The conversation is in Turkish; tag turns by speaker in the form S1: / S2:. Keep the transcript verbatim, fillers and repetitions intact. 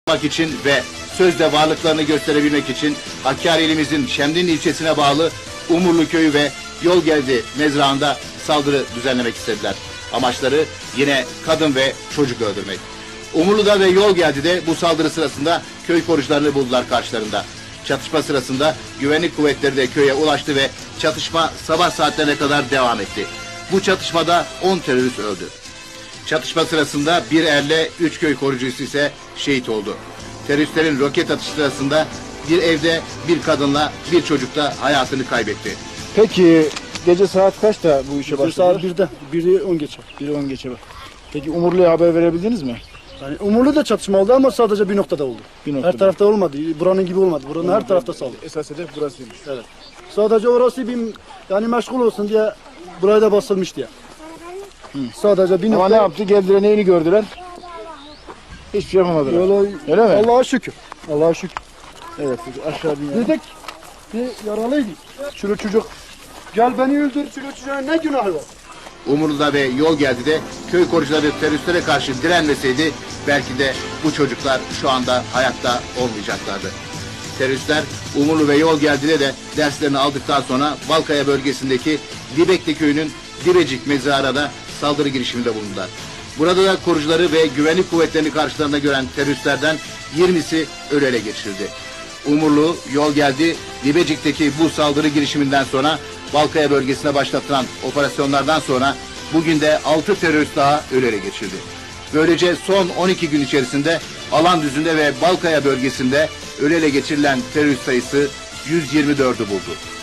S1: yapmak için ve sözde varlıklarını gösterebilmek için Hakkari ilimizin Şemdinli ilçesine bağlı Umurlu köyü ve Yolgeldi mezrağında saldırı düzenlemek istediler. Amaçları yine kadın ve çocuk öldürmek. Umurlu'da ve Yolgeldi'de bu saldırı sırasında köy korucularını buldular karşılarında. Çatışma sırasında güvenlik kuvvetleri de köye ulaştı ve çatışma sabah saatlerine kadar devam etti. Bu çatışmada on terörist öldü. Çatışma sırasında bir erle üç köy korucusu ise şehit oldu. Teröristlerin roket atışı sırasında bir evde bir kadınla bir çocuk da hayatını kaybetti.
S2: Peki gece saat kaçta bu işe başladınız?
S3: Saat birde, biri on geçe.
S2: biri on geçe bak. Peki Umurlu'ya haber verebildiniz mi?
S3: Yani Umurlu da çatışma oldu ama sadece bir noktada oldu.
S2: Bir noktada.
S3: Her tarafta olmadı. Buranın gibi olmadı. Buranın her tarafta saldırı.
S2: Esas hedef burasıymış.
S3: Evet. Sadece orası bir yani meşgul olsun diye buraya da basılmış diye. Hı. Sadece bir
S2: Ama
S3: nokta.
S2: ne yaptı? Geldiler, neyini gördüler? Hiçbir şey yapamadılar.
S3: Öyle,
S2: Öyle mi?
S3: Allah'a şükür. Allah'a şükür.
S2: Evet, aşağı bin.
S3: Dedik bir yaralıydı. Şunu çocuk gel beni öldür. Şunu çocuğun ne günahı var?
S1: Umurlu'da ve Yolgeldi'de köy korucuları teröristlere karşı direnmeseydi belki de bu çocuklar şu anda hayatta olmayacaklardı. Teröristler Umurlu ve Yolgeldi'de de derslerini aldıktan sonra Balkaya bölgesindeki Dibekli köyünün Dibecik mezarına da saldırı girişiminde bulundular. Burada da korucuları ve güvenlik kuvvetlerini karşılarında gören teröristlerden yirmisi ölü ele geçirildi. Umurlu, Yolgeldi, Dibecik'teki bu saldırı girişiminden sonra Balkaya bölgesine başlatılan operasyonlardan sonra bugün de altı terörist daha ölü ele geçirildi. Böylece son on iki gün içerisinde Alandüzü'nde ve Balkaya bölgesinde ölü ele geçirilen terörist sayısı yüz yirmi dördü buldu.